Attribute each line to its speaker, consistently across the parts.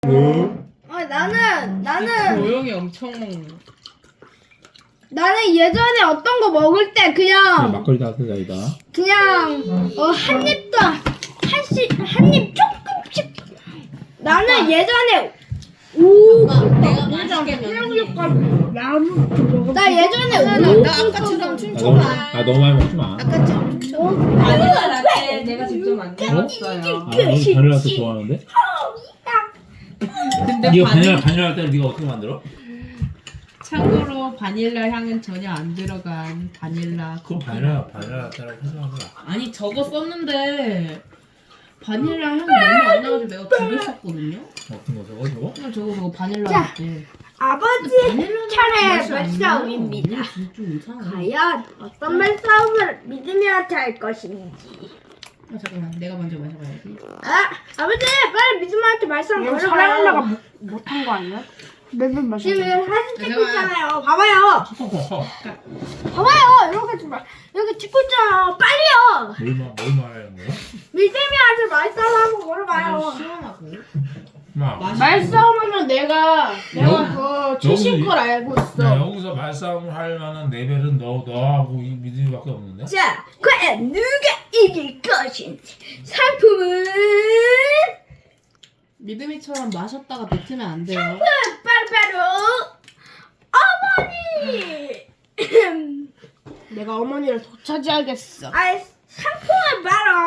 Speaker 1: 나는
Speaker 2: 조용히 엄청 먹는.
Speaker 1: 나는 예전에 어떤 거 먹을 때 그냥
Speaker 3: 막걸리 따뜻하다 이다.
Speaker 1: 그냥 한 입도 한 입 조금씩. 나는 예전에
Speaker 2: 내가 맛있게 먹는.
Speaker 1: 나 예전에
Speaker 2: 나 아까처럼 춤춰봐.
Speaker 3: 너무 많이 먹지 마.
Speaker 2: 아까처럼 춤춰봐. 바닐라 라떼 내가 직접 만들었어요.
Speaker 3: 너 바닐라 라떼 좋아하는데?
Speaker 2: 근데
Speaker 3: 네가 바닐라 라떼를 네가 어떻게 만들어?
Speaker 2: 참고로 바닐라 향은 전혀 안 들어간 바닐라.
Speaker 3: 그럼 바닐라 라떼라고 설명한 거야.
Speaker 2: 아니 저거 썼는데 바닐라 향이 너무 안 나가지고 내가 두 개 썼거든요.
Speaker 3: 어떤 거 저거?
Speaker 2: 그냥 저거 바닐라
Speaker 1: 자.
Speaker 2: 라떼.
Speaker 1: 아버지 차례 말싸움입니다.
Speaker 2: 좀 이상해.
Speaker 1: 과연 어떤 말싸움을 믿으면서 할 것인지.
Speaker 2: 잠깐만 내가 먼저 마셔봐야지.
Speaker 1: 아버지 빨리 믿으면서 말싸움 걸어봐요.
Speaker 4: 사랑하다가 못한 거 아니야? 몇번 마셨
Speaker 1: 지금 사진 찍고
Speaker 2: 잠깐만.
Speaker 1: 있잖아요. 봐봐요. 봐봐요. 이렇게 찍고 있잖아요. 빨리요.
Speaker 3: 뭘 말하는 거야?
Speaker 1: 믿으면서 말싸움 한번 걸어봐요.
Speaker 2: 시원하고.
Speaker 4: 말싸움하면 내가 그 최신 걸 알고 있어.
Speaker 3: 여기서 말싸움을 할 만한 레벨은 너하고 이 믿음이밖에 없는데?
Speaker 1: 자, 과연 누가 이길 것인지. 상품은
Speaker 2: 믿음이처럼 마셨다가 뱉으면 안 돼요.
Speaker 1: 바로 어머니.
Speaker 4: 내가 어머니를 도차지하겠어.
Speaker 1: 상품은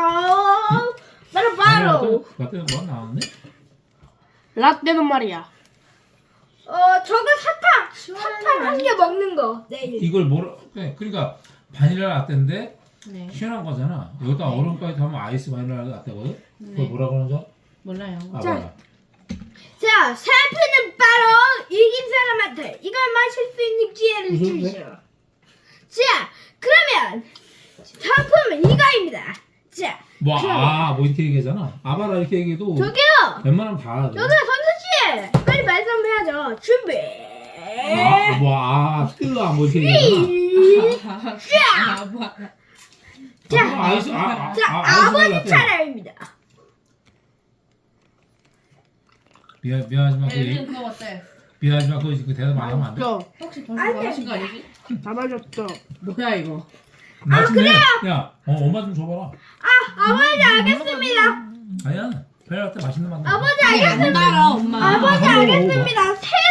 Speaker 1: 바로
Speaker 3: 라떼는 뭐 나왔네?
Speaker 4: 라떼는 말이야.
Speaker 1: 저거 사탕 한 개 먹는 거. 내일.
Speaker 3: 이걸 그러니까 바닐라 라떼인데
Speaker 2: 네.
Speaker 3: 시원한 거잖아. 여기다 얼음까지 하면 아이스 바닐라 라떼거든? 그걸 뭐라 그러는 줄 알아?
Speaker 2: 몰라요.
Speaker 3: 봐봐.
Speaker 1: 자, 상품은 바로 이긴 사람한테 이걸 마실 수 있는 기회를
Speaker 3: 무슨
Speaker 1: 주시오. 자, 그러면 상품은 이거입니다. 자,
Speaker 3: 뭐 이렇게 얘기하잖아. 아바라 이렇게 얘기해도
Speaker 1: 저기요.
Speaker 3: 웬만하면 다 알아.
Speaker 1: 여기 선수씨 빨리 말씀해야죠. 준비.
Speaker 3: 뭐 이렇게 얘기하잖아.
Speaker 1: 아버지 차례입니다.
Speaker 3: 미안하지만
Speaker 2: 엘빈 그거 어때?
Speaker 3: 미안하지만 그 대답 안 하면 안 돼.
Speaker 2: 혹시 벌써 마신 거 아니지?
Speaker 4: 다 마셨어.
Speaker 2: 뭐야 이거?
Speaker 3: 나중에 야, 엄마 좀 줘봐라.
Speaker 1: 아버지 알겠습니다.
Speaker 3: 아니야, 바닐라 라떼 맛있는 맛 나.
Speaker 1: 아버지
Speaker 2: 안
Speaker 1: 알겠습니다.
Speaker 2: 달아 엄마.
Speaker 1: 아버지 알겠습니다. 세